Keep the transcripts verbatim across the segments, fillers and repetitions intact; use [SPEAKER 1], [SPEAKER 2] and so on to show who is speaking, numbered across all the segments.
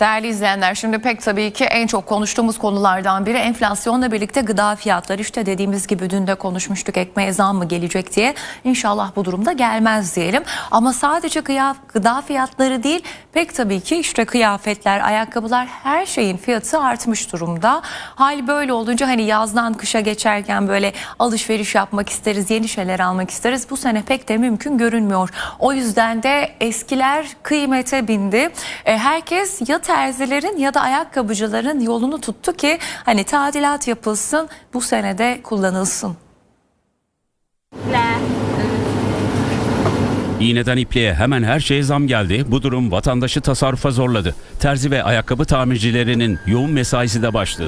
[SPEAKER 1] Değerli izleyenler, şimdi pek tabii ki en çok konuştuğumuz konulardan biri enflasyonla birlikte gıda fiyatları. İşte dediğimiz gibi dün de konuşmuştuk, ekmeğe zam mı gelecek diye. İnşallah bu durumda gelmez diyelim. Ama sadece gıda fiyatları değil, pek tabii ki işte kıyafetler, ayakkabılar, her şeyin fiyatı artmış durumda. Hal böyle olunca hani yazdan kışa geçerken böyle alışveriş yapmak isteriz, yeni şeyler almak isteriz. Bu sene pek de mümkün görünmüyor. O yüzden de eskiler kıymete bindi. E, herkes ya terzilerin ya da ayakkabıcıların yolunu tuttu ki hani tadilat yapılsın, bu senede kullanılsın.
[SPEAKER 2] İğneden ipliğe hemen her şeye zam geldi. Bu durum vatandaşı tasarrufa zorladı. Terzi ve ayakkabı tamircilerinin yoğun mesaisi de başladı.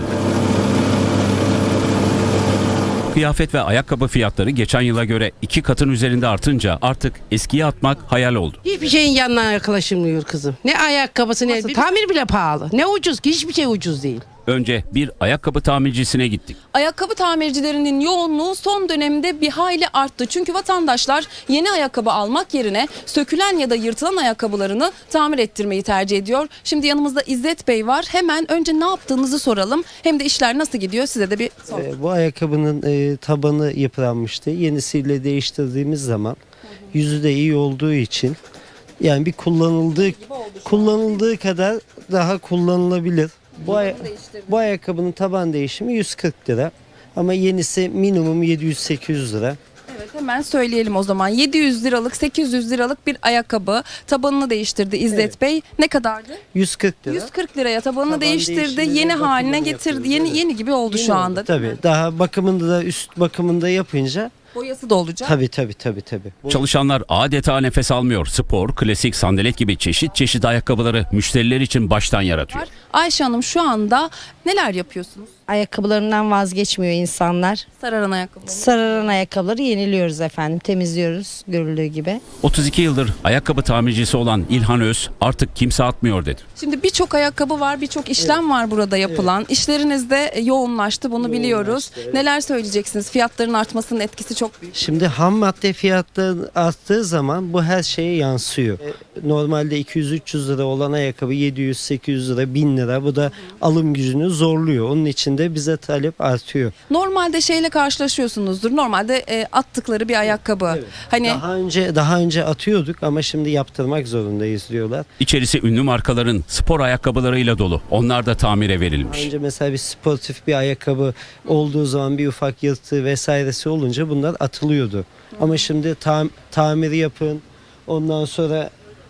[SPEAKER 2] Kıyafet ve ayakkabı fiyatları geçen yıla göre iki katın üzerinde artınca artık eskiye atmak hayal oldu.
[SPEAKER 3] Hiçbir şeyin yanına yaklaşılmıyor kızım. Ne ayakkabısı ne tamir bile pahalı. Ne ucuz ki, hiçbir şey ucuz değil.
[SPEAKER 2] Önce bir ayakkabı tamircisine gittik.
[SPEAKER 4] Ayakkabı tamircilerinin yoğunluğu son dönemde bir hayli arttı. Çünkü vatandaşlar yeni ayakkabı almak yerine sökülen ya da yırtılan ayakkabılarını tamir ettirmeyi tercih ediyor. Şimdi yanımızda İzzet Bey var. Hemen önce ne yaptığınızı soralım. Hem de işler nasıl gidiyor size de bir soralım.
[SPEAKER 5] E, bu ayakkabının e, tabanı yıpranmıştı. Yenisiyle değiştirdiğimiz zaman yüzü de iyi olduğu için yani bir kullanıldığı kullanıldığı kadar daha kullanılabilir. Bu, ay bu ayakkabının taban değişimi yüz kırk lira ama yenisi minimum yedi yüz sekiz yüz lira.
[SPEAKER 4] Evet, hemen söyleyelim o zaman. yedi yüz liralık, sekiz yüz liralık bir ayakkabı tabanını değiştirdi İzzet
[SPEAKER 5] Evet.
[SPEAKER 4] Bey. Ne kadardı?
[SPEAKER 5] yüz kırk lira.
[SPEAKER 4] yüz kırk liraya tabanını
[SPEAKER 5] Taban
[SPEAKER 4] değiştirdi.
[SPEAKER 5] değişimini
[SPEAKER 4] Yeni
[SPEAKER 5] ve
[SPEAKER 4] haline
[SPEAKER 5] bakımını
[SPEAKER 4] getirdi.
[SPEAKER 5] yapıyoruz,
[SPEAKER 4] Yeni
[SPEAKER 5] evet.
[SPEAKER 4] yeni gibi oldu
[SPEAKER 5] Yeni
[SPEAKER 4] şu
[SPEAKER 5] oldu,
[SPEAKER 4] anda.
[SPEAKER 5] Tabii. Daha bakımında da üst bakımında yapınca
[SPEAKER 4] Boyası da olacak.
[SPEAKER 5] tabii tabii tabii tabii. Bu-
[SPEAKER 2] Çalışanlar adeta nefes almıyor. Spor, klasik, sandalet gibi çeşit çeşit ayakkabıları müşteriler için baştan yaratıyor.
[SPEAKER 4] Ayşe Hanım, şu anda neler yapıyorsunuz?
[SPEAKER 6] Ayakkabılarından vazgeçmiyor insanlar.
[SPEAKER 4] Sararan ayakkabı.
[SPEAKER 6] Sararan ayakkabıları yeniliyoruz efendim, temizliyoruz görüldüğü gibi.
[SPEAKER 2] otuz iki yıldır ayakkabı tamircisi olan İlhan Öz artık kimse atmıyor dedi.
[SPEAKER 4] Şimdi birçok ayakkabı var, birçok işlem var burada yapılan. İşleriniz de yoğunlaştı, bunu biliyoruz. Neler söyleyeceksiniz? Fiyatların artmasının etkisi çok büyük.
[SPEAKER 5] Şimdi ham madde fiyatları arttığı zaman bu her şeye yansıyor. E, Normalde iki yüz üç yüz lira olan ayakkabı yedi yüz sekiz yüz lira, bin lira. Bu da alım gücünü zorluyor. Onun için de bize talep artıyor.
[SPEAKER 4] Normalde şeyle karşılaşıyorsunuzdur. Normalde e, attıkları bir ayakkabı. Hani
[SPEAKER 5] Daha önce daha önce atıyorduk ama şimdi yaptırmak zorundayız diyorlar.
[SPEAKER 2] İçerisi ünlü markaların spor ayakkabılarıyla dolu. Onlar da tamire
[SPEAKER 5] Daha
[SPEAKER 2] verilmiş.
[SPEAKER 5] önce mesela bir sportif bir ayakkabı olduğu zaman bir ufak yırtığı vesairesi olunca bunlar atılıyordu. Ama şimdi tam, tamiri yapın. Ondan sonra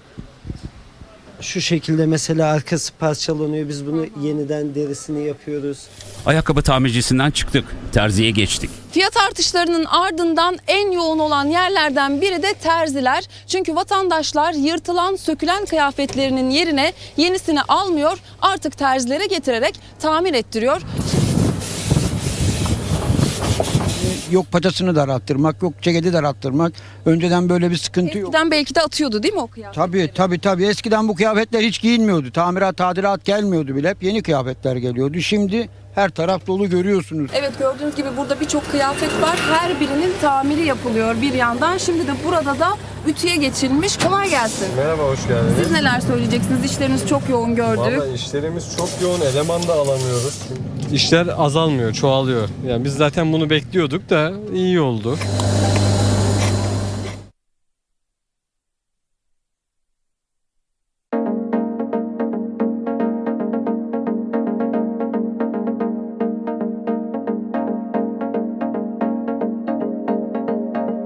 [SPEAKER 5] şu şekilde mesela arkası parçalanıyor. Biz bunu yeniden derisini yapıyoruz.
[SPEAKER 2] Ayakkabı tamircisinden çıktık. Terziye geçtik.
[SPEAKER 4] fiyat artışlarının ardından en yoğun olan yerlerden biri de terziler. Çünkü vatandaşlar yırtılan, sökülen kıyafetlerinin yerine yenisini almıyor. Artık terzilere getirerek tamir ettiriyor.
[SPEAKER 7] Yok paçasını daralttırmak, yok ceketi daralttırmak. Önceden böyle bir sıkıntı yok.
[SPEAKER 4] Eskiden belki de atıyordu değil mi o kıyafetleri?
[SPEAKER 7] Tabii tabii tabii. Eskiden bu kıyafetler hiç giyinmiyordu. Tamirat, tadilat gelmiyordu bile. Hep yeni kıyafetler geliyordu. Şimdi her taraf dolu görüyorsunuz.
[SPEAKER 4] Evet, gördüğünüz gibi burada birçok kıyafet var. Her birinin tamiri yapılıyor bir yandan. Şimdi de burada da ütüye geçilmiş. Kolay gelsin.
[SPEAKER 8] Merhaba, hoş geldiniz.
[SPEAKER 4] Siz neler söyleyeceksiniz? İşleriniz çok yoğun gördük.
[SPEAKER 8] Vallahi işlerimiz çok yoğun, eleman da alamıyoruz. İşler azalmıyor, çoğalıyor. Yani biz zaten bunu bekliyorduk da iyi oldu.